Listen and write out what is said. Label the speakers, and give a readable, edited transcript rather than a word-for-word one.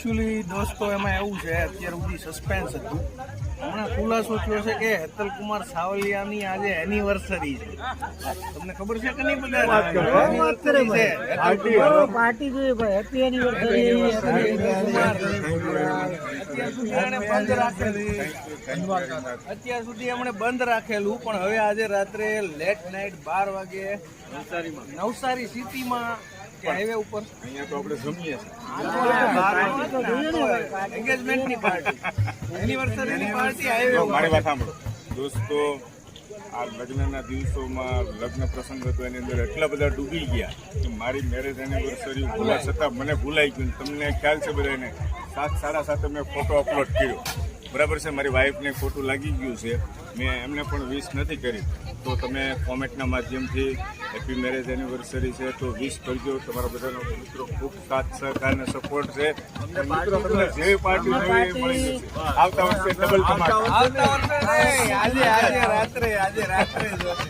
Speaker 1: Actually દોસ્તો એમાં એવું છે, અત્યાર સુધી સસ્પેન્સ હતું. હમણાં ખુલાસો થયો છે કે હેતલ કુમાર સાવલિયાની આજે એનિવર્સરી છે. તમને ખબર છે કે નહીં? બધા
Speaker 2: પાર્ટી જોઈએ ભાઈ, હેપી એનિવર્સરી.
Speaker 1: અત્યાર સુધી એમણે બંધ રાખેલું, પણ હવે આજે રાત્રે લેટ નાઇટ 12 વાગે નવસારી સિટીમાં કે હાઈવે ઉપર
Speaker 3: અહીંયા તો આપણે જમીએ
Speaker 1: એન્ગેજમેન્ટની પાર્ટી, એનિવર્સરીની પાર્ટી હાઈવે ઉપર.
Speaker 3: મારી વાત સાંભળો દોસ્તો, આ લગ્નના દિવસોમાં લગ્ન પ્રસંગ હતો, એની અંદર એટલા બધા ડૂબી ગયા કે મારી મેરેજ એનિવર્સરી ભૂલા છતાં મને ભૂલાઈ ગયું. તમને ખ્યાલ છે બધાને 7:30 મેં ફોટો અપલોડ કર્યો, બરાબર છે. મારી વાઈફને ખોટું લાગી ગયું છે, મેં એમને પણ વિશ નથી કરી. તો તમે કોમેન્ટના માધ્યમથી હેપી મેરેજ એનિવર્સરી છે તો વિશ કરજો. તમારા બધાનો મિત્રો ખૂબ સાથ સહકાર અને સપોર્ટ છે. મિત્રો તમને જે પાર્ટી જોઈએ એ મળી જશે. આવતા વર્ષે ડબલ ધમાકા.
Speaker 1: આવતા વર્ષે નહીં, આજે રાત્રે